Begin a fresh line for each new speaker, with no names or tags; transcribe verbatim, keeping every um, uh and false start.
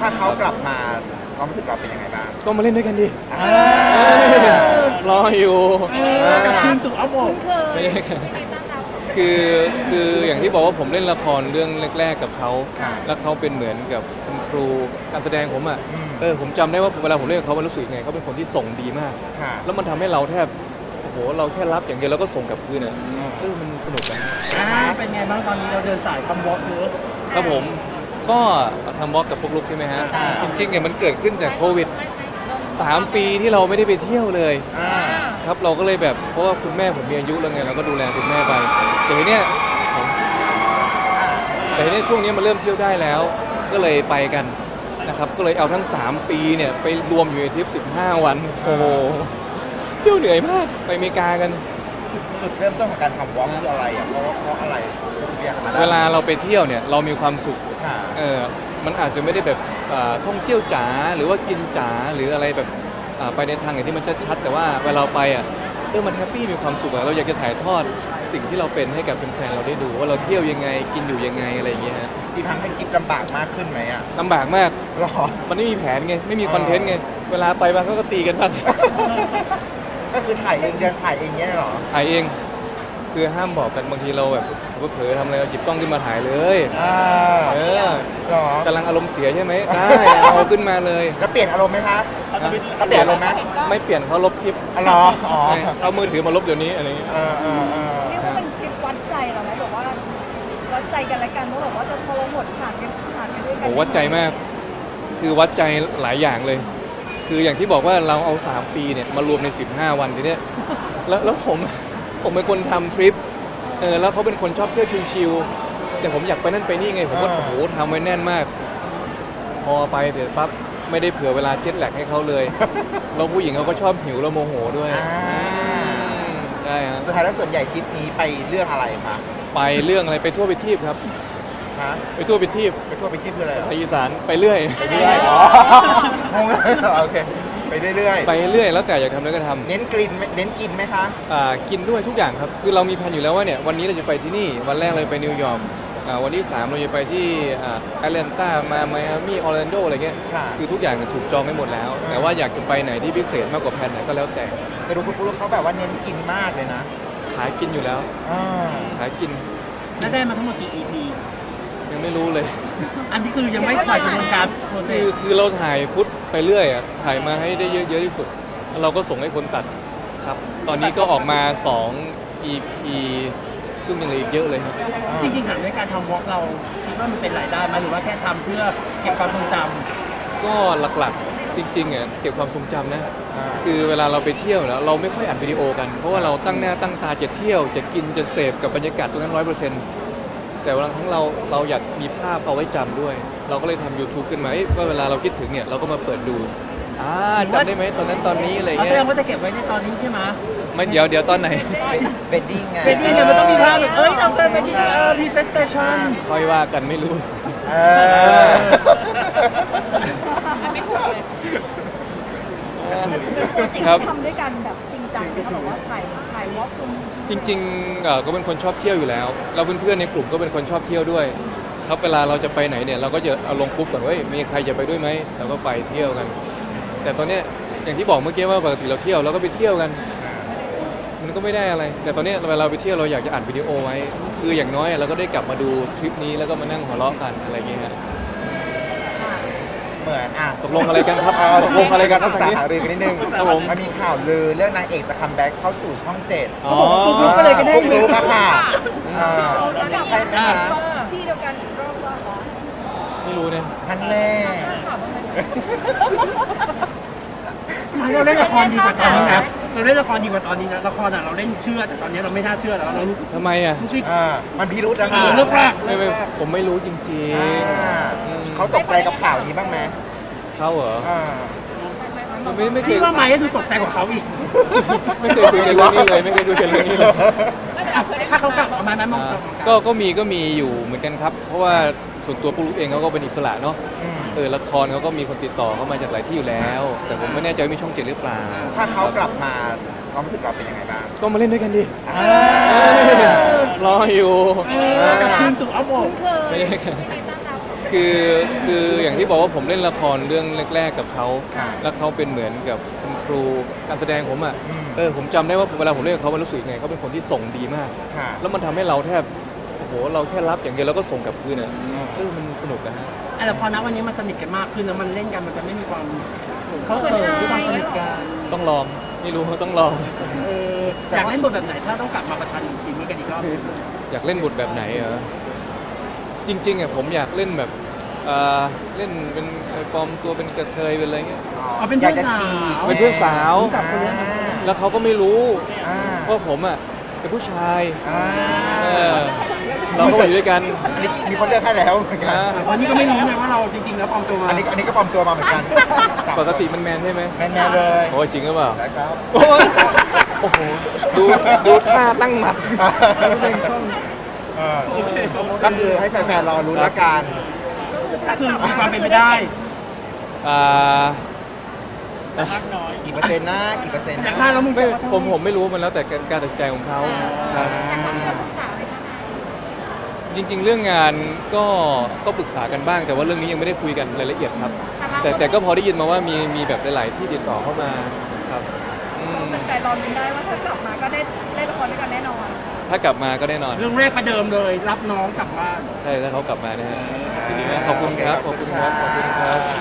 ถ้าเขากลับมาความรู้สึกเราเป็นยังไงบ้าง
ก็มาเล่นด้วยกันดิ
อ่า
รออยู่
ทีมจุกเอาหมด
ไม่ใช่คือคืออย่างที่บอกว่าผมเล่นละครเรื่องแรกๆกับเขาแล้วเขาเป็นเหมือนกับคุณครูการแสดงผมอ่ะเออผมจำได้ว่าเวลาผมเล่นกับเขามันรู้สึกไงเขาเป็นคนที่ส่งดีมาก
ค่ะ
แล้วมันทำให้เราแทบโอ้โหเราแค่รับอย่างเดียวแล้วก็ส่งกลับคืนอ่ะเออมันสนุกนะ
อ่าเป็นไงบ้างตอนนี้เราเดินสายทำวอล์กเยอะ
ครับผมก็ทำวอล์กกับปุ๊กลุกใช่ไหมฮะจริงๆเนี่ยมันเกิดขึ้นจากโควิดสามปีที่เราไม่ได้ไปเที่ยวเลย
อ่า
ครับเราก็เลยแบบเพราะว่าคุณแม่ผมมีอายุแล้วไงเราก็ดูแลคุณแม่ไปแต่ทีเนี้ยแต่ทีเนี้ยช่วงนี้มันเริ่มเที่ยวได้แล้ว ก็เลยไปกันนะครับก็เลยเอาทั้งสามปีเนี่ยไปรวมอยู่ในทริปสิบห้าวันโอ้โหเที่ยวเหนื่อยมากไปอเมริกากัน
จุดเริ่มต้นของการทำวอล์กคืออะไรอ่ะเพราะเพราะอะไรรู้สึกอยากมาได้
เวลาเราไปเที่ยวเนี่ยเรามีความสุข
ค่ะ
เออมันอาจจะไม่ได้แบบอ่าท่องเที่ยวจ๋าหรือว่ากินจ๋าหรืออะไรแบบอ่าไปในทางไหนที่มันชัดๆแต่ว่าเวลาเราไปอ่ะเออมันแฮปปี้มีความสุขอะเราอยากจะถ่ายทอดสิ่งที่เราเป็นให้กับแฟนๆเราได้ดูว่าเราเที่ยวยังไงกินอยู่ยังไงอะไรอย่างเงี้ยฮะ
ที่ทำให้ทริปลำบากมากขึ้นไหมอ่ะ
ลำบากมาก
หรอ
มันไม่มีแผนไงไม่มีคอนเทนต์ไงเวลาไปมันก็ตีกันบ้าง
ก็คือถ่ายเองเดินถ่ายเองเนี้ยเหรอ
ถ่ายเองคือห้ามบอกกันบางทีเราแบบเผลอๆทำอะไรเราหยิบกล้องขึ้นมาถ่ายเลย
อ่า
เออ
หรอก
ำลังอารมณ์เสียใช่ไหมได้เอาขึ้นมาเลย
แล้วเปลี่ยนอารมณ์ไหมคะ
นะ
แล้วเปลี่ยนอารมณ์ไหม
ไม่เปลี่ยนเขาลบคลิป
อ๋อเหรออ๋อ
ใช่เอามือถือมาลบเดี๋ยวนี้อะไรอย่างเงี้ย
เออเออเออ
เรียกว่าเป็นคลิปวัดใจเหรอไหมแบบว่าวัดใจกันและกันว่าแบบว่าจะพอเราหมดผ่านกันผ่านกันด้วยกั
โหวัดใจมาก คือวัดใจหลายอย่างเลย คืออย่างที่บอกว่าเราเอาสามปีเนี่ยมารวมในสิบห้าวันทีเนี้ยแล้วแล้วผมผมเป็นคนทำทริปเออแล้วเขาเป็นคนชอบเที่ยวชิลๆแต่ผมอยากไปนั่นไปนี่ไงผมก็โอ้โหทำไว้แน่นมาก พอไปเสร็จปั๊บไม่ได้เผื่อเวลาเจ็ตแลกให้เขาเลยแล้วผู้หญิงเขาก็ชอบหิวแล้วโมโหด้วย
อ่า
อืมใช่ฮะ
สุดท้ายแล้วส่วนใหญ่ทริปนี้ไปเรื่องอะไรคะ
ไปเรื่องอะไรไปทั่วไปทีบครับ
ฮะ
ไปทั่วไปทีบ
ไปทั่วไปทริปคืออะไรเหรอ
ไทยอีสานไปเรื่อย
ไปเรื่อยอ๋อ งงเลยโอเคไปเรื่อย
ไปเรื่อยแล้วแต่อยากทำอะไรก็ทำ
ๆเน้นกลิ่นไหมเน้นกินไหมคะ
อ่ากินด้วยทุกอย่างครับ คือเรามีแผนอยู่แล้วว่าเนี่ยวันนี้เราจะไปที่นี่ วันแรกเราไปนิวยอร์กอ่าวันที่สามเราจะไปที่อ่าแอตแลนตามาไมอามี่ออร์แลนโดอะไรเงี้ย
ค่ะ
คือทุกอย่างเนี่ยถูกจองไปหมดแล้ว แต่ว่าอยากจะไปไหนที่พิเศษมากกว่าแผนไหนก็แล้วแต่
แต่ดูคุณปุ๊กเขาแบบว่าเน้นกินมากเลยนะ
ขายกินอยู่แล้ว
อ่า
ขายกิน
แล้วได้มาทั้งหมดกี่ อี พี
ยังไม่รู้เลย
อันนี้คือยังไม่ผ่านกระบวนการโปรเซ
คือ
ส
คือเราถ่ายพุทธไปเรื่อยอ่ะถ่ายมาให้ได้เยอะเยอะที่สุดแล้วเราก็ส่งให้คนตัดครับ ตอนนี้ก็ออกมาสอง อี พี ซึ่งยังเหลืออีกเยอะเลยครับ
จริงๆถามในการทำวอล์กเราคิดว่ามันเป็นรายได้ไหมหรือว่าแค่ทำเพื่อเก็บความทรงจ
ก็หลักๆจริงๆอ่ะเก็บความทรงจำนะ
อ่า
คือเวลาเราไปเที่ยวแล้วเราไม่ค่อยอัดวิดีโอกัน เพราะว่าเราตั้งหน้าตั้งตาจะเที่ยวจะกินจะเสพกับบรรยากาศตรงนั้นร้อยเปอร์เซ็นต์แต่บางครั้งเราเราอยากมีภาพเอาไว้จำด้วย เราก็เลยทำ YouTube ขึ้นมาเอ้ยว่าเวลาเราคิดถึงเนี่ยเราก็มาเปิดดูอ่าจำได้ไหมตอนนั้นตอนนี้อะไร
ำเอา
เงี้
แส
ย
ดงว่าจะเก็บไว้ในตอนนี้ใช่ไหม
ไม่เดี๋ยวเดี๋ยวตอนไหน
เบดดิ้งไง
เป็นดีเนี่ยมันต้องมีภาพแบบเอ้ยเราเป็นเป็นดีเออรีเซ็ตสเตชัน
ค่อยว่ากันไม่รู้
เออ
ครับ
ทำด้วยกันแบบจริงจังเขาบอกว่าถ่ายถ่ายวอล์กคุณ
จริงๆเอ่อก็เป็นคนชอบเที่ยวอยู่แล้วเราเพื่อนๆในกลุ่มก็เป็นคนชอบเที่ยวด้วย ครับเวลาเราจะไปไหนเนี่ยเราก็จะเอาลงกรุ๊ปก่อนว่าเฮ้ยมีใครจะไปด้วยไหมเราก็ไปเที่ยวกัน แต่ตอนเนี้ยอย่างที่บอกเมื่อกี้ว่าปกติเราเที่ยวเราก็ไปเที่ยวกัน มันก็ไม่ได้อะไร แต่ตอนเนี้ยเวลาเราไปเที่ยวเราอยากจะอัดวิดีโอไว้ คืออย่างน้อยเราก็ได้กลับมาดูทริปนี้แล้วก็มานั่งหัวเราะกันอะไรอย่างเงี้ยฮะ
เหมือนอ่ะ
ตกลงอะไรกันครับ
เออ
ตกลงอะไรกัน
ปรึกษาหารือกันนิดนึง
ครับผม
มันมีข่าวลือเรื่องนางเอกจะคัมแบ็กเข้าสู่ช่องเจ็ด
อ๋อ
ปุ๊กลุ๊กก็เลยกันได้
ปุ๊กลุ๊กอะค่ะอ่า
เราจะกลับ
ใช่ไหมคะ
ที่เดียวกันอีกรอบว่าเหรอ
ไม่รู้เนี่ย
ท่านแน่
ไม่เราเล่นละครดีกว่าตอนนี้นะเราเล่นละครดีกว่าตอนนี้นะละครอ่ะเราเล่นเชื่อแต่ตอนนี้เราไม่น่าเชื่อแล้วเรารู้
ทำไมอ่ะ
สึก
อ่ามันพิรุธนะ
เอ
คะ
อเลิกลาก
ไม่ไม่ผมไม่รู้จริง
อ่า
ๆอืม
เขาตกใจกับข่าวนี้บ้างไหม
เขาเหรอ
อ่า
ไม่ไม่เค
พี่
ย
ว่าไม้ก็ดูตกใจกว่าเขาอีก
ไม่เคยคุยกันเรื่องนี้เลยไม่เคยคุยกันเรื่องนี้เลย
อ่ะถ้าเขากลับมาไหมมอง
อ่าก
ลับมองก
ก็
ลับ
ก็มีก็มีอยู่เหมือนกันครับ เพราะว่าส่วนตัวปุ๊กลุกเองเขาก็เป็นอิสระเนาะ
อืม
เออละครเขาก็มีคนติดต่อเข้ามาจากหลายที่อยู่แล้ว แต่ผมไม่แน่ใจว่ามีช่องเจ็ดหรือเปล่า
ถ้าเขากลับมาความรู้สึกเราเป็นยังไงบ้าง
ก็มาเล่นด้วยกันดิ
อ่า
รออยู่
เออทีมจุกเอาหมด
ไม่ใช่คือคือคืออย่างที่บอกว่าผมเล่นละครเรื่องแรกๆกับเขา
ค่ะ
แล้วเขาเป็นเหมือนกับคุณครูการแสดงผมอ่ะ
อืม
เออผมจำได้ว่าเวลาผมเล่นกับเขามันรู้สึกยังไงเขาเป็นคนที่ส่งดีมาก
ค่ะ
แล้วมันทำให้เราแทบโอ้โหเราแค่รับอย่างเดียวแล้วก็ส่งกลับคืนอ่ะเออมันสนุกนะฮะ
อ่ะแต่พอณวันนี้มันสนิทกันมากขึ้นแล้วมันเล่นกันมันจะไม่มีความเขาเขินด้วยความสนิทกัน
ต้องลองไม่รู้ต้องลอง
เอออยากเล่นบทแบบไหนถ้าต้องกลับมาประชันทีมนี้กันอีกรอบ
อยากเล่นบทแบบไหนเหรอจริงๆอ่ะผมอยากเล่นแบบเอ่อเล่นเป็นปลอมตัวเป็นกระเทยเป็นอะไรเงี้ย
เอาเป็น
อยาก
เพื่อน
จะ
สา
ฉีก
ว
เป็นเพื่อนสาว
สาวคนนี้นะ
แล้วเขาก็ไม่รู้
อ่า
ว่าผมอ่ะเป็นผู้ชาย
อ่า
เออเราก็อยู่ด้วยกัน
อันนี้มีคนเลือกให้แล้วเหมือนกัน
นะ
แต่คนนี้ก็ไม่รู้นะว่าเราจริงๆแล้วปลอมตัวมา
อันนี้อันนี้ก็ปลอมตัวมาเหมือนกัน
ปกติมันแมนใช่ไหม
แมนแมนๆเลย
โอ้ยจริงหรือเปล่า
นะครับ
โอ้ยโอ้โหดูดูท่าตั้งหมัด
เป็นช่อง
เออก็คือให้แฟนๆรอรู้นละกัน
ก็คือมีความเป็นไปได้
อ่า
กี่เปอร์เซ็นต์นะกี่เปอร์เซ็นต์
อ
นะ
ยากได้แล้วมึง
ไม่ผมผมไม่รู้มันแล้วแต่การตัดสินใจของเขาครับ จริงๆ เรื่องงานก็ก็ปรึกษากันบ้าง แต่ว่าเรื่องนี้ยังไม่ได้คุยกันรายละเอียดครับ แต่แต่ก็พอได้ยินมาว่ามีมีแบบหลาย ๆ ที่ติดต่อเข้ามาครับอืม
แต่รอรุ้นได้ว่าถ้ากลับมาก็ได้เล่นละครด้วยกันแน่นอน
ถ้ากลับมาก็แน่นอน
เรื่องแรกประเดิมเลย รับน้องกลับบ้าน
ใช่ถ้าเขากลับมานะฮะขอบคุณครับขอบคุณครับขอบคุณครับ